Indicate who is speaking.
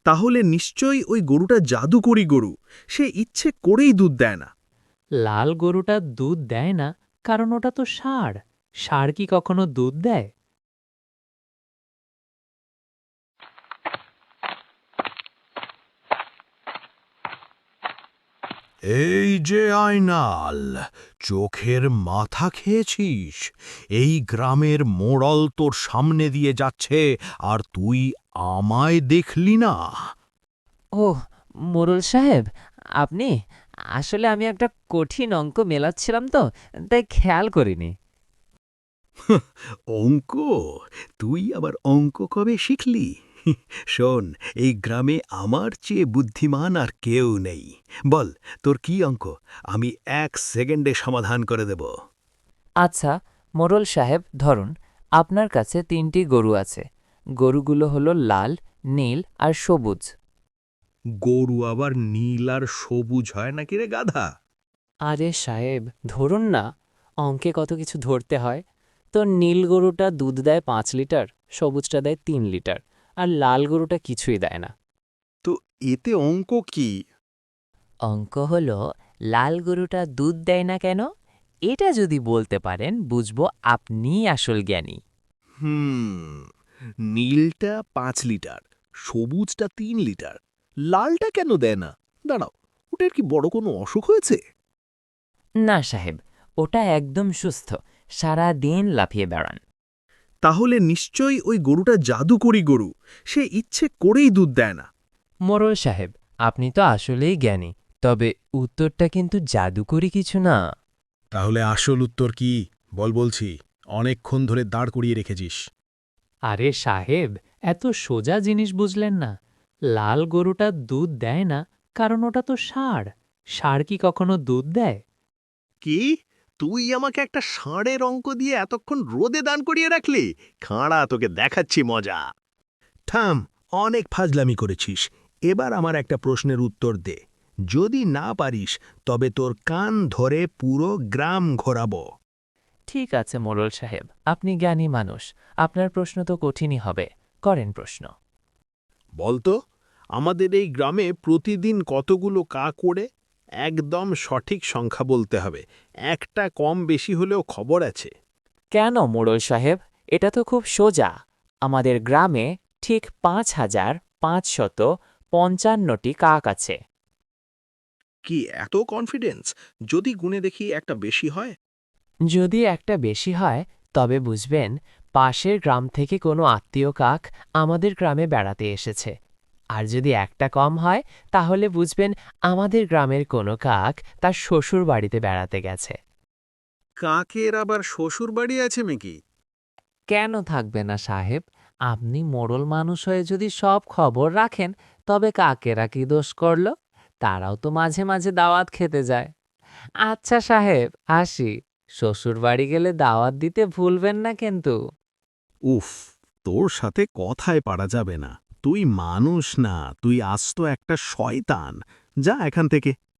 Speaker 1: তাহলে নিশ্চয়ই ওই গরুটা জাদুকরি গরু, সে ইচ্ছে করেই দুধ দেয় না।
Speaker 2: লাল গরুটা দুধ দেয় না, কারণ ওটা তো ষাঁড়। ষাঁড় কি কখনো দুধ দেয়?
Speaker 3: এই যে আয়নাল, চোখের মাথা খেয়েছিস? এই গ্রামের মোড়ল তোর সামনে দিয়ে যাচ্ছে আর তুই আমায় দেখলি না?
Speaker 4: ওহ, মোড়ল সাহেব, আপনি? আসলে আমি একটা কঠিন অঙ্ক মেলাচ্ছিলাম তো, তাই খেয়াল করিনি।
Speaker 1: অঙ্ক? তুই আবার অঙ্ক কবে শিখলি? শোন, এই গ্রামে আমার চেয়ে বুদ্ধিমান আর কেউ নেই। বল, তোর কি অঙ্ক? আমি 1 সেকেন্ডে সমাধান করে দেব।
Speaker 4: আচ্ছা, মোড়ল সাহেব, ধরুন আপনার কাছে 3টি গরু আছে। গরুগুলো হলো লাল, নীল আর সবুজ।
Speaker 3: গরু আবার নীল আর সবুজ হয় নাকি রে গাধা?
Speaker 2: আরে সাহেব, ধরুন না, অঙ্কে কত কিছু ধরতে হয়। তো নীল গরুটা দুধ দেয় 5 লিটার, সবুজটা দেয় 3 লিটার, আর লাল গরুটা কিছুই দেয় না।
Speaker 1: তো এতে অঙ্ক কি?
Speaker 4: অঙ্ক হলো, লাল গরুটা দুধ দেয় না কেন? এটা যদি বলতে পারেন, বুঝবো আপনিই আসল জ্ঞানী।
Speaker 1: হুম, নীলটা 5 লিটার, সবুজটা 3 লিটার, লালটা কেন দেয় না? দাঁড়াও, ওটার কি বড় কোনো অসুখ হয়েছে?
Speaker 4: না সাহেব, ওটা একদম সুস্থ, সারা দিন লাফিয়ে বেড়ান।
Speaker 1: তাহলে নিশ্চয়ই ওই গরুটা জাদুকরি গরু, সে ইচ্ছে করেই দুধ দেয় না।
Speaker 5: মোড়ল সাহেব, আপনি তো আসলেই জ্ঞানী, তবে উত্তরটা কিন্তু জাদুকরি কিছু না।
Speaker 3: তাহলে আসল উত্তর কি? বলছি, অনেকক্ষণ ধরে দাঁড় করিয়ে রেখেছিস।
Speaker 2: আরে সাহেব, এত সোজা জিনিস বুঝলেন না? লাল গরুটা দুধ দেয় না, কারণ ওটা তো ষাঁড়। ষাঁড় কি কখনো দুধ দেয়?
Speaker 1: কি? তুই আমাকে একটা ষাঁড়ের অঙ্ক দিয়ে এতক্ষণ রোদে দান করিয়ে রাখলি? খাঁড়া, তোকে দেখাচ্ছি মজা। থাম, অনেক ফাজলামি করেছিস। এবার আমার একটা প্রশ্নের উত্তর দে। যদি না পারিস, তবে তোর কান ধরে পুরো গ্রাম ঘোরাবো।
Speaker 4: ঠিক আছে মোড়ল সাহেব, আপনি জ্ঞানী মানুষ, আপনার প্রশ্ন তো কঠিনই হবে। করেন প্রশ্ন।
Speaker 1: বলতো, আমাদের এই গ্রামে প্রতিদিন কতগুলো কাক ওড়ে? একদম সঠিক সংখ্যা বলতে হবে, একটা কম বেশি হলেও খবর আছে।
Speaker 4: কেন মোড়ল সাহেব, এটা তো খুব সোজা। আমাদের গ্রামে ঠিক 5,555টি কাক আছে।
Speaker 1: কি এত কনফিডেন্স? যদি গুণে দেখি একটা বেশি হয়?
Speaker 4: যদি একটা বেশি হয়, তবে বুঝবেন পাশের গ্রাম থেকে কোনো আত্মীয় কাক আমাদের গ্রামে বেড়াতে এসেছে। আর যদি একটা কম হয়, তাহলে বুঝবেন আমাদের গ্রামের কোনো কাক তার শ্বশুর বাড়িতে বেড়াতে গেছে।
Speaker 1: কাকের আবার শ্বশুর বাড়ি আছে নাকি?
Speaker 4: কেন থাকবে না সাহেব? আপনি মোড়ল মানুষ হয়ে যদি সব খবর রাখেন, তবে কাকেরা কি দোষ করল? তারাও তো মাঝে মাঝে দাওয়াত খেতে যায়। আচ্ছা সাহেব, আসি। শ্বশুর বাড়ি গেলে দাওয়াত দিতে ভুলবেন না কিন্তু।
Speaker 1: উফ, তোর সাথে কথায় পারা যাবে না। তুই মানুষ না, তুই আস্ত একটা শয়তান। যা এখান থেকে।